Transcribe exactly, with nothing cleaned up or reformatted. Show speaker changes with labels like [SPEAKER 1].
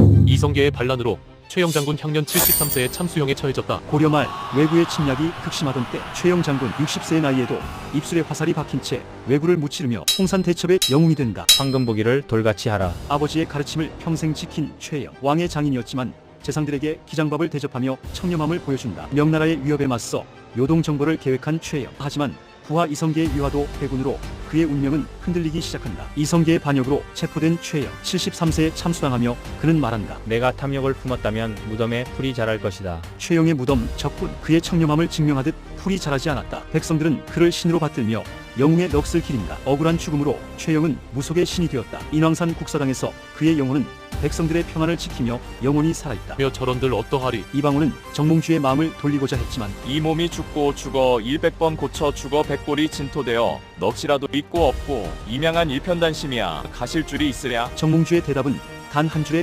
[SPEAKER 1] 이성계의 반란으로 최영 장군 향년 칠십삼 세에 참수형에 처해졌다.
[SPEAKER 2] 고려 말 왜구의 침략이 극심하던 때 최영 장군 육십 세의 나이에도 입술에 화살이 박힌 채 왜구를 무찌르며 홍산 대첩의 영웅이 된다.
[SPEAKER 3] 황금보기를 돌같이 하라.
[SPEAKER 2] 아버지의 가르침을 평생 지킨 최영. 왕의 장인이었지만 재상들에게 기장밥을 대접하며 청렴함을 보여준다. 명나라의 위협에 맞서 요동정벌을 계획한 최영. 하지만 부하 이성계의 유화도 회군으로 그의 운명은 흔들리기 시작한다. 이성계의 반역으로 체포된 최영. 칠십삼 세에 참수당하며 그는 말한다.
[SPEAKER 3] 내가 탐욕을 품었다면 무덤에 풀이 자랄 것이다.
[SPEAKER 2] 최영의 무덤 적군. 그의 청렴함을 증명하듯 풀이 자라지 않았다. 백성들은 그를 신으로 받들며 영웅의 넋을 기린다. 억울한 죽음으로 최영은 무속의 신이 되었다. 인왕산 국사당에서 그의 영혼은 백성들의 평안을 지키며 영원히 살아있다.
[SPEAKER 1] 며 저런들 어떠하리.
[SPEAKER 2] 이방원은 정몽주의 마음을 돌리고자 했지만
[SPEAKER 4] 이 몸이 죽고 죽어 일백 번 고쳐 죽어 백골이 진토되어 넋이라도 있고 없고 임양한 일편단심이야 가실 줄이 있으랴.
[SPEAKER 2] 정몽주의 대답은 단 한 줄의